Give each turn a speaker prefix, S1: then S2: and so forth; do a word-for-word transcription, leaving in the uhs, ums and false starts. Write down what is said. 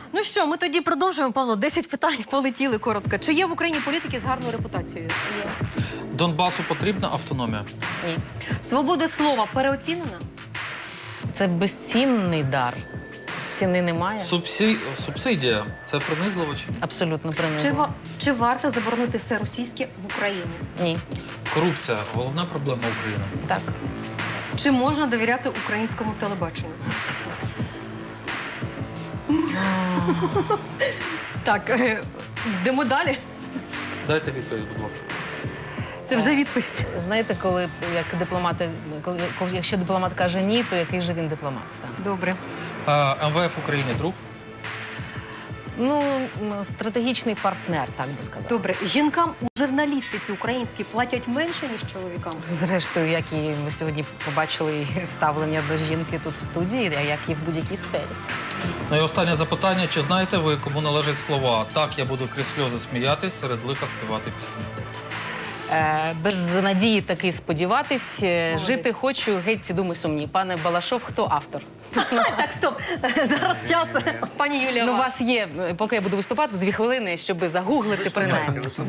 S1: Ну що, ми тоді продовжуємо, Павло. Десять питань полетіли коротко. Чи є в Україні політики з гарною репутацією? Є.
S2: Донбасу потрібна автономія?
S3: Ні.
S1: Свобода слова переоцінена?
S3: Це безцінний дар. Ціни немає.
S2: Субсі... Субсидія – це принизливо чи ні?
S3: Абсолютно
S1: Чи,
S3: принизливо.
S1: ва- чи варто заборонити все російське в Україні?
S3: Ні.
S2: Корупція – головна проблема України.
S3: Так.
S1: Чи можна довіряти українському телебаченню? Так, е, йдемо далі.
S2: Дайте відповідь, будь ласка.
S1: Це вже відповідь.
S3: Знаєте, коли як дипломати, коли, коли якщо дипломат каже ні, то який же він дипломат? Так.
S1: Добре.
S2: А, ем ве еф Україні друг?
S3: Ну, м, стратегічний партнер, так би сказати.
S1: Добре. Жінкам у журналістиці українській платять менше, ніж чоловікам?
S3: Зрештою, як і ви сьогодні побачили ставлення до жінки тут в студії, а як і в будь-якій сфері.
S2: Ну і останнє запитання. Чи знаєте ви, кому належать слова «Так, я буду крізь сльози сміятись, серед лиха співати пісні»?
S3: Е, без надії таки сподіватись. Е,
S1: Молодець.
S3: Жити хочу, геть ці думи сумні. Пане Балашов, хто автор?
S1: Так, стоп. Зараз час. Пані Юлія.
S3: Ну, у
S1: вас.
S3: вас є, поки я буду виступати, дві хвилини, щоб загуглити принаймні.